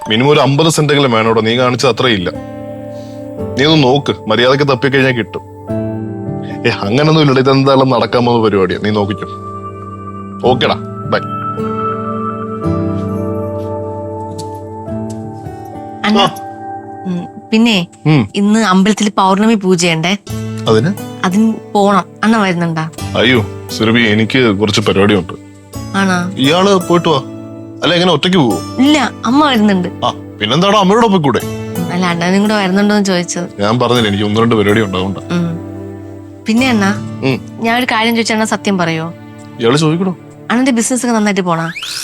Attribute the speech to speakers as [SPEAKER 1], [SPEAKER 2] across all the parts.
[SPEAKER 1] Minimum ഒരു 50 സെന്റെങ്കിലും വേണോടോ. നീ കാണിച്ചത് അത്രയില്ല. നീ ഒന്ന് നോക്ക്, മര്യാദക്ക് തപ്പിക്കഴിഞ്ഞാൽ കിട്ടും. അങ്ങനൊന്നും ഇല്ലട, ഇതെന്തായാലും നടക്കാൻ പോകുന്ന പരിപാടിയാ. നീ നോക്കിക്കോ. ഓക്കേടാ, ബൈ.
[SPEAKER 2] പിന്നെ ഇന്ന് അമ്പലത്തിൽ പൗർണമി പൂജയുണ്ടേ. അതിന് പോണം. അണ്ണ വരുന്നുണ്ടാ?
[SPEAKER 1] അയ്യോ സുരഭി, എനിക്ക് കുറച്ച് പരിപാടിയുണ്ട്.
[SPEAKER 2] ആണോ?
[SPEAKER 1] ഇയാള് പോയിട്ട് വാ. അല്ല, എങ്ങനെ ഒറ്റയ്ക്ക് പോവോ?
[SPEAKER 2] ഇല്ല, അമ്മ വരുന്നുണ്ട്.
[SPEAKER 1] പിന്നെന്താണോ അമ്മയോട് പോയിക്കൂടെ?
[SPEAKER 2] അല്ല, അണ്ണനും കൂടെ വരുന്നുണ്ടോന്ന് ചോദിച്ചത്.
[SPEAKER 1] ഞാൻ പറഞ്ഞില്ല, എനിക്ക് 1-2 പരിപാടി ഉണ്ടാവുണ്ട്.
[SPEAKER 2] പിന്നെ അണ്ണാ, ഞാൻ ഒരു കാര്യം ചോദിച്ചാ അണ്ണ സത്യം പറയോ?
[SPEAKER 1] ഇയാള് ചോദിക്കണോ?
[SPEAKER 2] അണ്ണന്റെ ബിസിനസ് ഒക്കെ നന്നായിട്ട് പോണാ?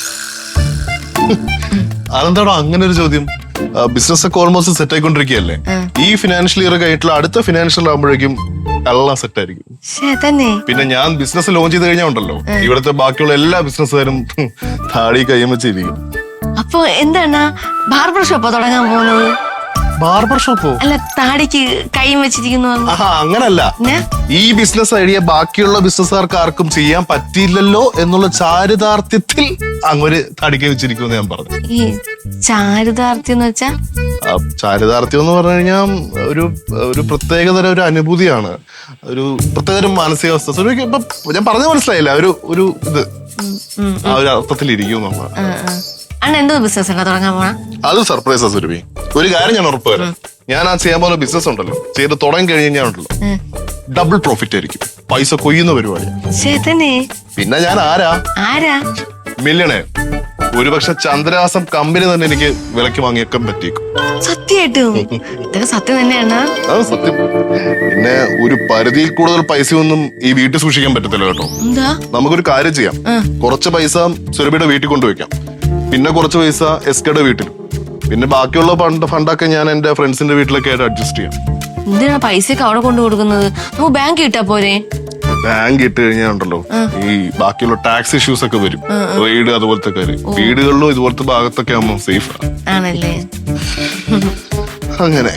[SPEAKER 1] അതെന്താണോ അങ്ങനെ ഒരു ചോദ്യം? ബിസിനസ് ഒക്കെ ഓൾമോസ്റ്റ് സെറ്റ് ആയിക്കൊണ്ടിരിക്കുകയല്ലേ. ഈ ഫിനാൻഷ്യൽ ഇയർ കഴിഞ്ഞിട്ടുള്ള അടുത്ത ഫിനാൻഷ്യൽ ആകുമ്പോഴേക്കും എല്ലാം സെറ്റ് ആയിരിക്കും. പിന്നെ ഞാൻ ബിസിനസ് ലോഞ്ച് ചെയ്ത് കഴിഞ്ഞാൽ ഉണ്ടല്ലോ, ഇവിടുത്തെ ബാക്കിയുള്ള എല്ലാ ബിസിനസ്സുകാരും താടി കയ്യം വെച്ചിരിക്കും.
[SPEAKER 2] അപ്പൊ എന്താണ് ബാർബർ ഷോപ്പോ തുടങ്ങാൻ പോകുന്നത്?
[SPEAKER 1] ബാർബർ ഷോപ്പോ?
[SPEAKER 2] അല്ല, താടിക്ക് കൈയും വെച്ചിരിക്കുന്നു.
[SPEAKER 1] അങ്ങനല്ല, ഈ ബിസിനസ് ഐഡിയ ബാക്കിയുള്ള ബിസിനസ്സുകാർക്ക് ആർക്കും ചെയ്യാൻ പറ്റിയില്ലല്ലോ എന്നുള്ള ചാരിതാർത്ഥ്യത്തിൽ അങ്ങൊരു താടിക്ക് വെച്ചിരിക്കുമെന്ന് ഞാൻ പറഞ്ഞു.
[SPEAKER 2] ഈ ചാരിതാർത്ഥ്യം എന്ന് വെച്ചാ?
[SPEAKER 1] ചാരിതാർത്ഥ്യം എന്ന് പറഞ്ഞു കഴിഞ്ഞാൽ ഒരു പ്രത്യേകതരം ഒരു അനുഭൂതിയാണ്, ഒരു പ്രത്യേകതരം മാനസികാവസ്ഥ. ഞാൻ പറഞ്ഞ മനസ്സിലായില്ല, ഒരു ഇത് ആ ഒരു അർത്ഥത്തിൽ ഇരിക്കും നമ്മൾ.
[SPEAKER 2] എന്തോ ബിസിനസ് തുടങ്ങാൻ പോണ?
[SPEAKER 1] അത് സർപ്രൈസാ സുരഭി. ഒരു കാര്യം ഞാൻ ഉറപ്പ് തരാം, ഞാൻ ആ ചെയ്യാൻ പോകുന്ന ബിസിനസ് ഉണ്ടല്ലോ, ചെയ്ത് തുടങ്ങി കഴിഞ്ഞാൽ ഉണ്ടല്ലോ ഡബിൾ പ്രോഫിറ്റ് ആയിരിക്കും. പൈസ കൊയ്യുന്ന പരിപാടി. പിന്നെ ഞാൻ ആരാ? മില്യണയർ. ഒരുപക്ഷെ ചന്ദ്രഹാസം കമ്പനി തന്നെ എനിക്ക് വിലക്ക് വാങ്ങിയേക്കാൻ പറ്റിയേക്കും.
[SPEAKER 2] സത്യമായിട്ടും? ഇതൊക്കെ സത്യം തന്നെയാണ്.
[SPEAKER 1] അത് സത്യം. പിന്നെ ഒരു പരിധിയിൽ കൂടുതൽ പൈസയൊന്നും ഈ വീട്ടിൽ സൂക്ഷിക്കാൻ പറ്റത്തില്ല കേട്ടോ. നമുക്കൊരു കാര്യം ചെയ്യാം, കുറച്ച് പൈസ സുരഭിയുടെ വീട്ടിൽ കൊണ്ടുവയ്ക്കാം, പിന്നെ കുറച്ച് പൈസ എസ്കയുടെ വീട്ടിൽ, പിന്നെ ബാക്കിയുള്ള ഫണ്ടൊക്കെ ഞാൻ എന്റെ ഫ്രണ്ട്സിന്റെ വീട്ടിലൊക്കെ ആയിട്ട് അഡ്ജസ്റ്റ് ചെയ്യാം.
[SPEAKER 2] എന്തിനാ പൈസയൊക്കെ അവിടെ കൊണ്ടു കൊടുക്കുന്നത്? നമുക്ക് ബാങ്ക് ഇട്ടാ പോരെ?
[SPEAKER 1] ബാങ്ക് ഇട്ട് കഴിഞ്ഞാൽ ഉണ്ടല്ലോ, ഈ ബാക്കിയുള്ള ടാക്സ് ഇഷ്യൂസ് ഒക്കെ വരും, റെയ്ഡ് അതുപോലത്തെ കാര്യം. വീടുകളിലും ഇതുപോലത്തെ ഭാഗത്തൊക്കെ ആവുമ്പോൾ സേഫ്
[SPEAKER 2] ആണല്ലേ.
[SPEAKER 1] അങ്ങനെ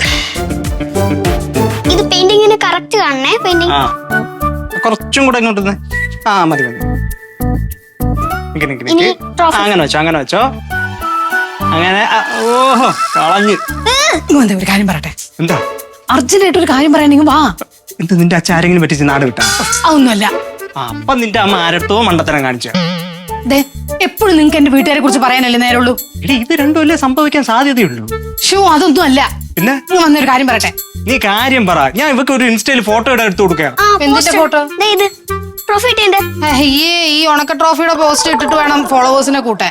[SPEAKER 3] ഇത് പെയിന്റിങ്ങിന് കറക്റ്റ് കാണണേ. പെയിന്റിങ്
[SPEAKER 4] കുറച്ചും കൂടെ ഇങ്ങോട്ട് മതി. അങ്ങനെ വെച്ചോ. അങ്ങനെ ഓഹോ കളഞ്ഞ്.
[SPEAKER 5] ഒരു കാര്യം പറയട്ടെ.
[SPEAKER 4] എന്താ?
[SPEAKER 5] അർജന്റായിട്ട് ഒരു കാര്യം പറയാനെങ്കിൽ വാ.
[SPEAKER 4] എന്ത്, നിന്റെ അച്ഛൻ ആരെങ്കിലും പറ്റിച്ച് നാട് വിട്ടാ?
[SPEAKER 5] അതൊന്നുമല്ല.
[SPEAKER 4] അപ്പൊ നിന്റെ അമ്മ ആരത്തോ മണ്ടത്തരം കാണിച്ച.
[SPEAKER 5] എപ്പോഴും നിങ്ങക്ക് എന്റെ വീട്ടുകാരെ കുറിച്ച് പറയാനല്ലേ നേരമുള്ളൂ.
[SPEAKER 4] ഇത് രണ്ടുമല്ലേ സംഭവിക്കാൻ സാധ്യതയുള്ളൂ.
[SPEAKER 5] അതൊന്നും അല്ല.
[SPEAKER 4] പിന്നെ
[SPEAKER 5] വന്നൊരു കാര്യം പറയട്ടെ.
[SPEAKER 4] നീ കാര്യം പറ. ഞാൻ ഇവക്ക് ഒരു ഇൻസ്റ്റയിൽ ഫോട്ടോ എടുത്ത് കൊടുക്കാം.
[SPEAKER 5] എന്തിന്റെ ഫോട്ടോ? ഈ ഉണക്ക ട്രോഫിയുടെ പോസ്റ്റ് ഇട്ടിട്ട് വേണം ഫോളോവേഴ്സിനെ കൂട്ടാൻ.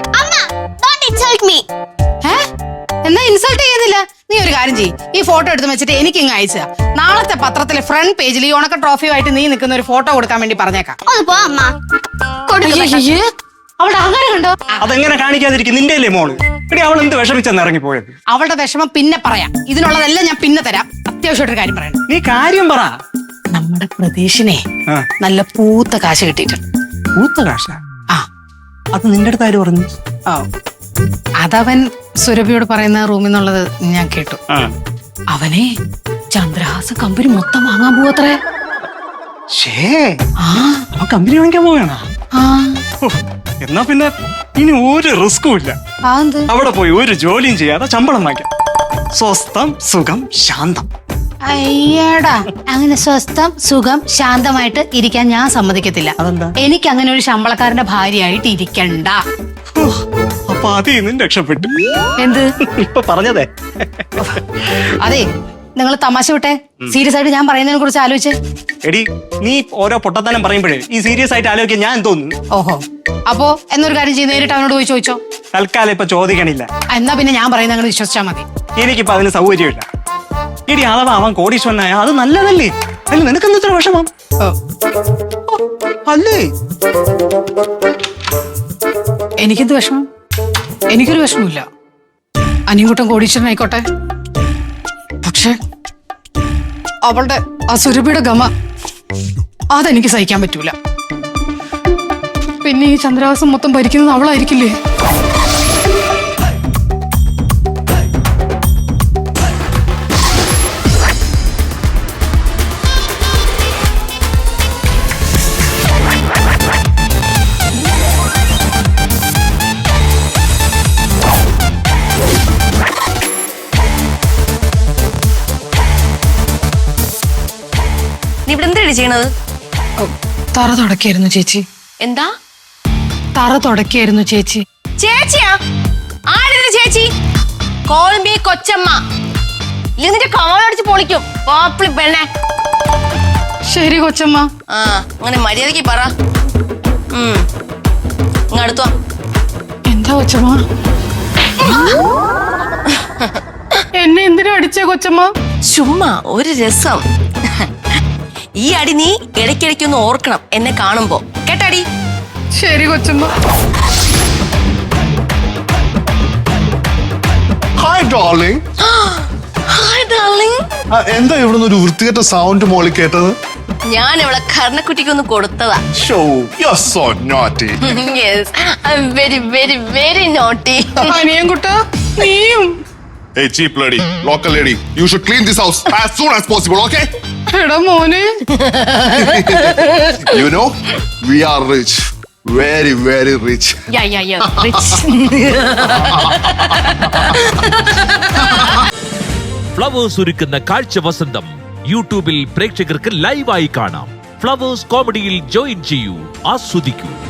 [SPEAKER 5] എന്നാ ഇൻസൾട്ട് ചെയ്യുന്നില്ല. നീ ഒരു കാര്യം ചെയ്യ്, ഈ ഫോട്ടോ എടുത്ത് വെച്ചിട്ട് എനിക്ക് ഇങ്ങ് അയച്ചാ. നാളത്തെ പത്രത്തിലെ ഫ്രണ്ട് പേജിൽ ഈ ഉണക്ക ട്രോഫിയുമായിട്ട് നീ നിൽക്കുന്ന ഒരു ഫോട്ടോ കൊടുക്കാൻ വേണ്ടി പറഞ്ഞേക്കാം. അവളുടെ അഹങ്കാരം കണ്ടോ?
[SPEAKER 4] അതെങ്ങനെ കാണിക്കാതിരിക്കും? നിന്റെ അല്ലേ മോള്? എടി, അവൾ എന്ത് വിഷമിച്ചെന്ന് ഇറങ്ങിപ്പോയത്?
[SPEAKER 5] അവളുടെ വിഷമം പിന്നെ പറയാം. ഇതിനുള്ളതെല്ലാം ഞാൻ പിന്നെ തരാം. അത്യാവശ്യമായിട്ടൊരു കാര്യം പറയണം.
[SPEAKER 4] നീ കാര്യം പറ.
[SPEAKER 5] നമ്മുടെ പ്രതീക്ഷിനെ നല്ല പൂത്ത കാശ് കിട്ടിയിട്ടുണ്ട്.
[SPEAKER 4] പൂത്ത കാശ? അത് നിന്റെ അടുത്ത് ആര് പറഞ്ഞു?
[SPEAKER 5] അതവൻ സുരഭിയോട് പറയുന്ന റൂമിൽ നിന്നുള്ളത് ഞാൻ കേട്ടു. അവനെ ചന്ദ്രഹാസ കമ്പനി മൊത്തം വാങ്ങാൻ പോവത്രേ.
[SPEAKER 4] കമ്പനി വാങ്ങിക്കാൻ പോവുകയാണോ? എന്നാ പിന്നെ ഇനി ഒരു റിസ്കും ഇല്ല. അവിടെ പോയി ഒരു ജോലിയും ചെയ്യാതെ ശമ്പളം വാങ്ങിക്കാം. സ്വസ്ഥം, സുഖം, ശാന്തം.
[SPEAKER 5] അയ്യടാ, അങ്ങനെ സ്വസ്ഥം, സുഖം, ശാന്തമായിട്ട് ഇരിക്കാൻ ഞാൻ സമ്മതിക്കത്തില്ല. എനിക്ക് അങ്ങനെ ഒരു ശമ്പളക്കാരന്റെ ഭാര്യയായിട്ട് ഇരിക്കണ്ട.
[SPEAKER 4] അപ്പൊ അതിൽ രക്ഷപ്പെട്ടു.
[SPEAKER 5] എന്ത്
[SPEAKER 4] ഇപ്പൊ പറഞ്ഞതേ?
[SPEAKER 5] അതെ, നിങ്ങൾ തമാശ വിട്ടെ. സീരിയസ് ആയിട്ട് ഞാൻ പറയുന്നതിനെ കുറിച്ച് ആലോചിച്ച്.
[SPEAKER 4] എടി, നീ ഓരോ പൊട്ടത്തനം പറയുമ്പോഴേ ഈ സീരിയസ് ആയിട്ട് ആലോചിക്കാൻ ഞാൻ തോന്നുന്നു.
[SPEAKER 5] ഓഹോ, അപ്പോ എന്നൊരു കാര്യം ചെയ്ത് നേരിട്ട് അവനോട് പോയി ചോദിച്ചോ.
[SPEAKER 4] തൽക്കാലം ഇപ്പൊ ചോദിക്കണില്ല.
[SPEAKER 5] എന്നാ പിന്നെ ഞാൻ പറയുന്നത് അങ്ങനെ വിശ്വസിച്ചാ മതി.
[SPEAKER 4] എനിക്കിപ്പോ അതിന് സൗകര്യമില്ല. എടി, അഥവാ അവൻ കോടീശ്വരനായ അത് നല്ലതല്ലേ? അല്ല, നിനക്കെന്താ ഇത്ര വിഷമം? അല്ലേ?
[SPEAKER 5] എനിക്കെന്ത് വിഷമം? എനിക്കൊരു വിഷമമില്ല. അനിയൻകുട്ടൻ കോടീശ്വരനായിക്കോട്ടെ. പക്ഷെ അവളുടെ ആ സുരഭിയുടെ ഗമ അതെനിക്ക് സഹിക്കാൻ പറ്റൂല. പിന്നെ ഈ ചന്ദ്രഹാസം മൊത്തം ഭരിക്കുന്നത് അവളായിരിക്കില്ലേ?
[SPEAKER 2] എന്തൊക്കെയാണ് ചെയ്യണത്?
[SPEAKER 5] തറ തുടക്കായിരുന്നു ചേച്ചി.
[SPEAKER 2] എന്താ
[SPEAKER 5] തറ തുടക്കായിരുന്നു ചേച്ചി.
[SPEAKER 2] ചേച്ചിയാ? ആടിന്റെ ചേച്ചി? കോൾമി കൊച്ചമ്മ. ഇല്ലെങ്കിൽ നിന്റെ കവളടിച്ച് പൊളിക്കും പാപ്പിളി പെണ്ണെ.
[SPEAKER 5] ശരി കൊച്ചമ്മ.
[SPEAKER 2] ആ അങ്ങനെ മര്യാദക്ക് പറ. അടുത്തോ.
[SPEAKER 5] എന്താ കൊച്ചമ്മ? എന്നെ എന്തിനാ അടിച്ചേ കൊച്ചമ്മ?
[SPEAKER 2] ചുമ്മാ ഒരു രസം. ഈ അടി നീ ഇടയ്ക്കിടയ്ക്കൊന്ന് ഓർക്കണം എന്നെ കാണുമ്പോ, കേട്ടാടി?
[SPEAKER 5] ശരി കൊച്ചമ്മ.
[SPEAKER 1] Hi darling.
[SPEAKER 2] Hi darling.
[SPEAKER 1] എന്താ ഇവിടുന്ന് ഒരു വൃത്തികെട്ട സൗണ്ട് മോളി കേട്ടത്?
[SPEAKER 2] ഞാൻ ഇവിടെ കർണക്കുട്ടിക്കൊന്ന് കൊടുത്തതാ.
[SPEAKER 1] Show, you're so naughty.
[SPEAKER 2] Yes, I'm very, very, very naughty.
[SPEAKER 5] അനിയൻ കുട്ടാ നീയും.
[SPEAKER 1] Hey, cheap lady, local lady, you should clean this house as soon as possible, okay?
[SPEAKER 5] എടാ മോനെ.
[SPEAKER 1] You know, we are rich. Very, very rich.
[SPEAKER 2] Yeah, rich.
[SPEAKER 6] Flowers ഒരുക്കുന്ന കാഴ്ച വസന്തം യൂട്യൂബിൽ പ്രേക്ഷകർക്ക് ലൈവായി കാണാം. ഫ്ലവേഴ്സ് കോമഡിയിൽ ജോയിൻ ചെയ്യൂ, ആസ്വദിക്കൂ.